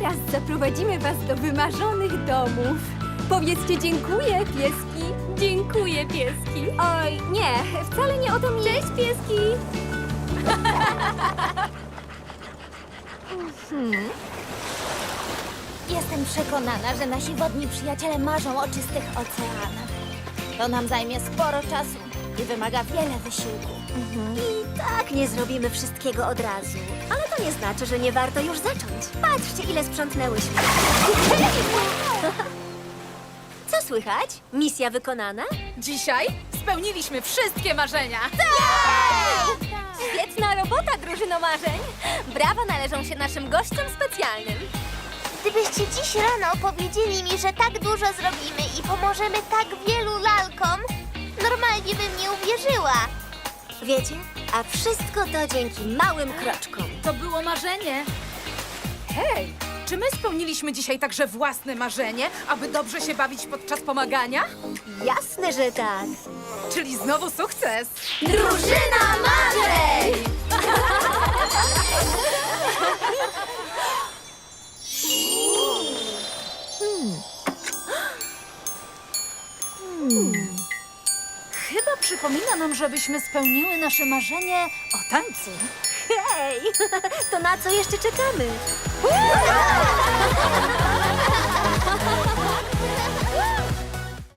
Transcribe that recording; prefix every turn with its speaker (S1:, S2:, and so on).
S1: teraz zaprowadzimy was do wymarzonych domów. Powiedzcie dziękuję, pieski.
S2: Dziękuję, pieski.
S1: Oj, nie, wcale nie o to mi...
S2: Cześć, pieski.
S3: Jestem przekonana, że nasi wodni przyjaciele marzą o czystych oceanach. To nam zajmie sporo czasu i wymaga wiele wysiłku.
S4: I tak nie zrobimy wszystkiego od razu. Ale to nie znaczy, że nie warto już zacząć. Patrzcie, ile sprzątnęłyśmy. Co słychać? Misja wykonana?
S2: Dzisiaj spełniliśmy wszystkie marzenia.
S1: Świetna robota, drużyno marzeń. Brawa należą się naszym gościom specjalnym.
S3: Gdybyście dziś rano powiedzieli mi, że tak dużo zrobimy i pomożemy tak wielu lalkom, normalnie bym nie uwierzyła.
S4: Wiecie? A wszystko to dzięki małym kroczkom.
S2: To było marzenie. Hej, czy my spełniliśmy dzisiaj także własne marzenie, aby dobrze się bawić podczas pomagania?
S4: Jasne, że tak.
S2: Czyli znowu sukces.
S1: Drużyna marzeń!
S2: Chyba przypomina nam, żebyśmy spełniły nasze marzenie o tańcu.
S4: Hej, to na co jeszcze czekamy?